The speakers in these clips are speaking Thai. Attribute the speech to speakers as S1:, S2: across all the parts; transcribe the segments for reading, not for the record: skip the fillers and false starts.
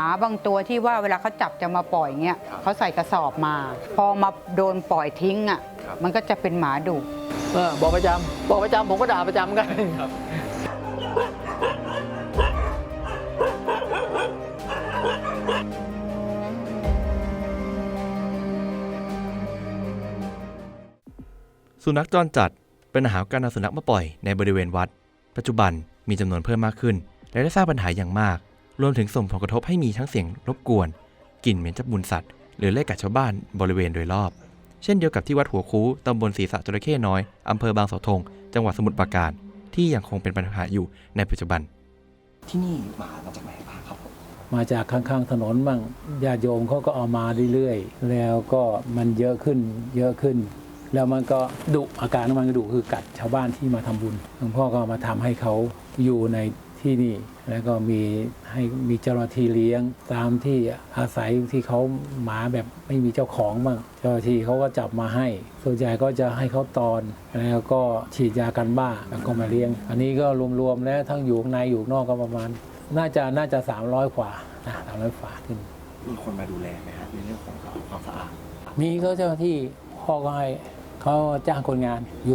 S1: บางตัวที่ว่าเวลาเขาจับจะมาปล่อยเงี้ยเขาใส่กระสอบมา พอมาโดนปล่อยทิ้งอ่ะมันก็จะเป็นหมาดุ
S2: บอกประจำผมก็ด่าประจำกัน
S3: สุนัขจรจัดเป็นปัญหาการนำสุนัขมาปล่อยในบริเวณวัดปัจจุบันมีจำนวนเพิ่มมากขึ้นและได้สร้างปัญหาอย่างมากรวมถึงส่งผลกระทบให้มีทั้งเสียงรบกวนกลิ่นเหม็นจับมูลสัตว์หรือเล่กัดชาวบ้านบริเวณโดยรอบเช่นเดียวกับที่วัดหัวคูตำบลศรีสะจระเข้น้อยอำเภอบางเสาธงจังหวัดสมุทรปราการที่ยังคงเป็นปัญหาอยู่ในปัจจุบัน
S4: ที่นี่หมามาจากไหนบ้างครับผม
S2: มาจากข้างๆถนนบ้างญาติโยมเขาก็เอามาเรื่อยๆแล้วก็มันเยอะขึ้นแล้วมันก็ดุอาการของมันก็ดุคือกัดชาวบ้านที่มาทำบุญหลวงพ่อก็มาทำให้เขาอยู่ในที่นี่แล้วก็มีเจ้าหน้าที่เลี้ยงตามที่อาศัยที่เขาหมาแบบไม่มีเจ้าของบ้างเจ้าหน้าที่เขาก็จับมาให้ส่วนใหญ่ก็จะให้เขาตอนแล้วก็ฉีดยากันบ้าแล้วก็มาเลี้ยงอันนี้ก็รวมๆแล้วทั้งอยู่ข้างในอยู่นอกก็ประมาณน่าจะ300กว่านะ300ฝ่าขึ้น
S4: มีคนมาดูแลไหมครับในเรื่องของความสะอาด
S2: มีเขาเจ้าหน้าที่พ่อก็ให้เขาจ้างคนงานอยู่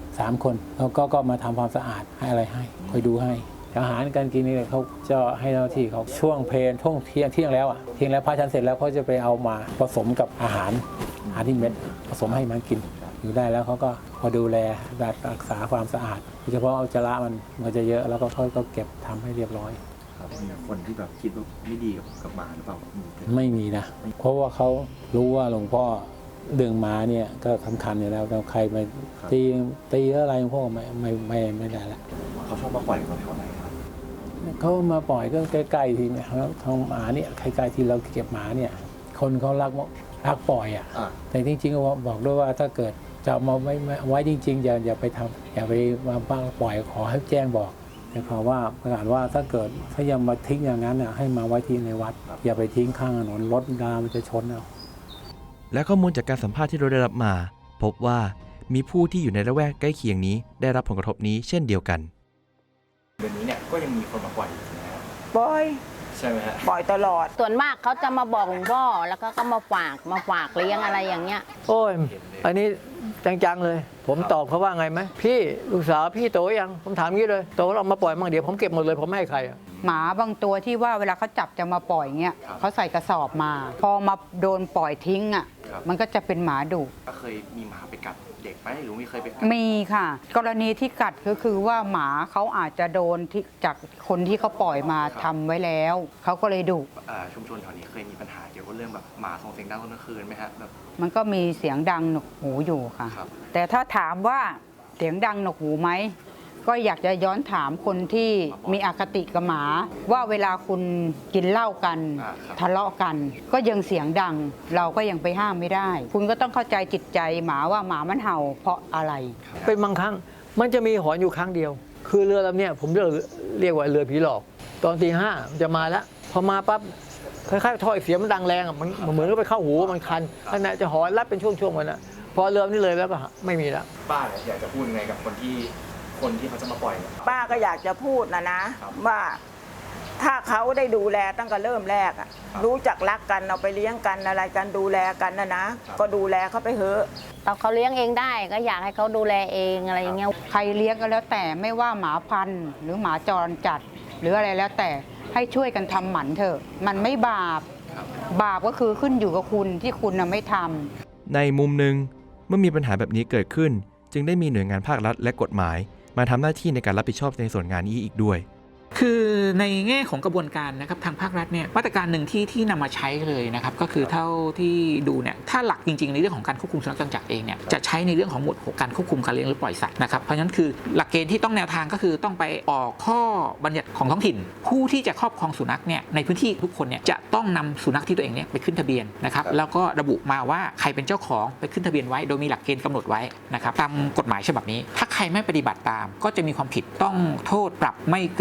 S2: 3คนแล้วก็มาทำความสะอาดให้อะไรให้คอยดูให้อาหารการกินนี่เขาจะให้เจ้าหน้าที่เขาช่วงเพลช่วงเที่ยงแล้วพระชันเสร็จแล้วเขาจะไปเอามาผสมกับอาหารที่เม็ดผสมให้มันกินอยู่ได้แล้วเขาก็พอดูแลรักษาความสะอาดโดยเฉพาะเอาจระมันจะเยอะแล้วก็เขาก็เก็บทำให้เรียบร้อย
S4: มีคนที่แบบคิดว่าไม่ดีกับหมาหรือเปล่า
S2: ไม่มีนะเพราะว่าเขารู้ว่าหลวงพ่อเรื่องหมาเนี่ยก็สำคัญอยู่แล้วใครมาตีอะไรหลวงพ่อไม่ได้ละ
S4: เขาชอบมาปล่อยกันแถวไหนครับ
S2: เขามาปล่อยก็ใกล้ๆทีเนี่ยแล้วทางหมาเนี่ยใกล้ๆที่เราเก็บหมาเนี่ยคนเขารักปล่อยอ่ะแต่จริงๆก็บอกด้วยว่าถ้าเกิดจะมาไว้จริงๆอย่าไปทำอย่าไปมาปล่อยขอให้แจ้งบอกแต่ขอว่าประกาศว่าถ้ายังมาทิ้งอย่างนั้นให้มาไว้ที่ในวัดอย่าไปทิ้งข้างถนนรถรามันจะชนเอา
S3: และข้อมูลจากการสัมภาษณ์ที่เราได้รับมาพบว่ามีผู้ที่อยู่ในละแวกใกล้เคียงนี้ได้รับผลกระทบนี้เช่นเดียวกัน
S4: เดือนนี้เนี่ยก็ยังมีคนมาปล่อยอยู่นะ
S5: ปล่อย
S4: ใช่ไหมฮะ
S5: ปล่อยตลอด
S6: ส่วนมากเขาจะมาบอกหลวงพ่อแล้วก็มาฝากเลี้ยงอะไรอย่างเงี้ย
S2: โอ้ยอันนี้จังๆเลยผมตอบเขาว่าไงไหมพี่ลูกสาวพี่โตยังผมถามงี้เลยโตเรามาปล่อยมั่งเดี๋ยวผมเก็บหมดเลยผมไม่ให้ใคร
S1: หมาบางตัวที่ว่าเวลาเขาจับจะมาปล่อยเงี้ยเขาใส่กระสอบมาพอมาโดนปล่อยทิ้งอ่ะมันก็จะเป็นหมาดุ
S4: ก็เคยมีหมาไปกัดเด็กไหมหรือมีเคยไปกัด
S1: มีค่ะกรณีที่กัดก็คือว่าหมาเขาอาจจะโดนจากคนที่เขาปล่อยมาทำไว้แล้วเขาก็เลยดุ
S4: ชุมชนแถวนี้เคยมีปัญหาเกี่ยวกับเรื่องแบบหมาส่งเสียงดังตอนกลางคืนไหมฮะแบบ
S1: มันก็มีเสียงดังหนวกหูอยู่ค่ะแต่ถ้าถามว่าเสียงดังหนวกหูไหมก็อยากจะย้อนถามคนที่มีอคติกับหมาว่าเวลาคุณกินเหล้ากันทะเลาะกันก็ยังเสียงดังเราก็ยังไปห้ามไม่ได้คุณก็ต้องเข้าใจจิตใจหมาว่าหมามันเห่าเพราะอะไร
S2: เป็นบางครั้งมันจะมีหอนอยู่ครั้งเดียวคือเรือลำเนี้ยผมเรียกว่าเรือผีหลอกตอนตี 5มันจะมาแล้วพอมาปั๊บคล้ายๆถ้อยเสียงมันดังแรงมันเหมือนกับไปเข้าหูมันคันขณะจะหอนรับเป็นช่วงๆมันนะพอเรือนี้เลยแล้วก็ไม่มีแล้ว
S4: ป้าอยากจะพูดไงกับคนที่เขาจะมาปล่อย
S5: ป้าก็อยากจะพูดนะว่าถ้าเขาได้ดูแลตั้งแต่เริ่มแรกรู้จักรักกันเอาไปเลี้ยงกันอะไรกันดูแลกันนะก็ดูแลเขาไปเถอะ
S6: ตอนเขาเลี้ยงเองได้ก็อยากให้เขาดูแลเองอะไรอย่างเงี้ย
S1: ใครเลี้ยงก็แล้วแต่ไม่ว่าหมาพันธุ์หรือหมาจรจัดหรืออะไรแล้วแต่ให้ช่วยกันทำหมันเถอะมันไม่บาปก็คือขึ้นอยู่กับคุณที่คุณไม่ท
S3: ำในมุมหนึ่งเมื่อมีปัญหาแบบนี้เกิดขึ้นจึงได้มีหน่วยงานภาครัฐและกฎหมายมาทำหน้าที่ในการรับผิดชอบในส่วนงานนี้อีกด้วย
S7: คือในแง่ของกระบวนการนะครับทางภาครัฐเนี่ยมาตรการหนึ่งที่นำมาใช้เลยนะครับก็คือเท่าที่ดูเนี่ยถ้าหลักจริงๆในเรื่องของการควบคุมสุนัขจรจัดเองเนี่ยจะใช้ในเรื่องของหมวดการควบคุมการเลี้ยงหรือปล่อยสัตว์นะครับเพราะฉะนั้นคือหลักเกณฑ์ที่ต้องแนวทางก็คือต้องไปออกข้อบัญญัติของท้องถิ่นผู้ที่จะครอบครองสุนัขเนี่ยในพื้นที่ทุกคนเนี่ยจะต้องนำสุนัขที่ตัวเองเนี่ยไปขึ้นทะเบียนนะครับแล้วก็ระบุมาว่าใครเป็นเจ้าของไปขึ้นทะเบียนไว้โดยมีหลักเกณฑ์กำหนดไว้นะครับตามกฎหมายฉบับนี้ถ้าใครไม่ปฏิบัติตามก็จะมีความผิดต้องโทษปรับไม่เกิน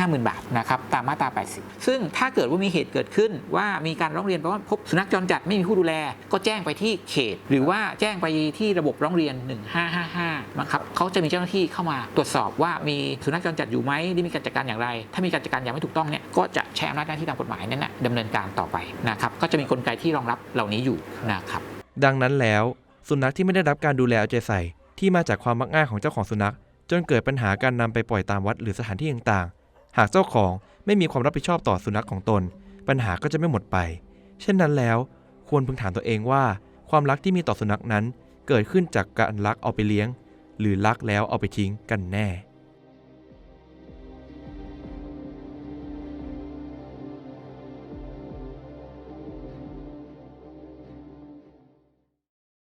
S7: 50,000 บาทนะครับตามมาตรา 80 ซึ่งถ้าเกิดว่ามีเหตุเกิดขึ้นว่ามีการร้องเรียนเพราะว่าพบสุนัขจรจัดไม่มีผู้ดูแลก็แจ้งไปที่เขตหรือว่าแจ้งไปที่ระบบร้องเรียน 1555นะครับเขาจะมีเจ้าหน้าที่เข้ามาตรวจสอบว่ามีสุนัขจรจัดอยู่ไหมได้มีการจัดการอย่างไรถ้ามีการจัดการอย่างไม่ถูกต้องเนี่ยก็จะใช้อำนาจหน้าที่ตามกฎหมายนั้นนะดำเนินการต่อไปนะครับก็จะมีกลไกที่รองรับเหล่านี้อยู่นะครับ
S3: ดังนั้นแล้วสุนัขที่ไม่ได้รับการดูแลเอาใจใส่ที่มาจากความมักง่ายของเจ้าของสุนัขจนเกิดปัญหาการนำไปปล่อยตามวัดหรือสถานที่ต่างๆหากเจ้าของไม่มีความรับผิดชอบต่อสุนัขของตนปัญหาก็จะไม่หมดไปเช่นนั้นแล้วควรพึงถามตัวเองว่าความรักที่มีต่อสุนัขนั้นเกิดขึ้นจากการลักเอาไปเลี้ยงหรือลักแล้วเอาไปทิ้งกันแน่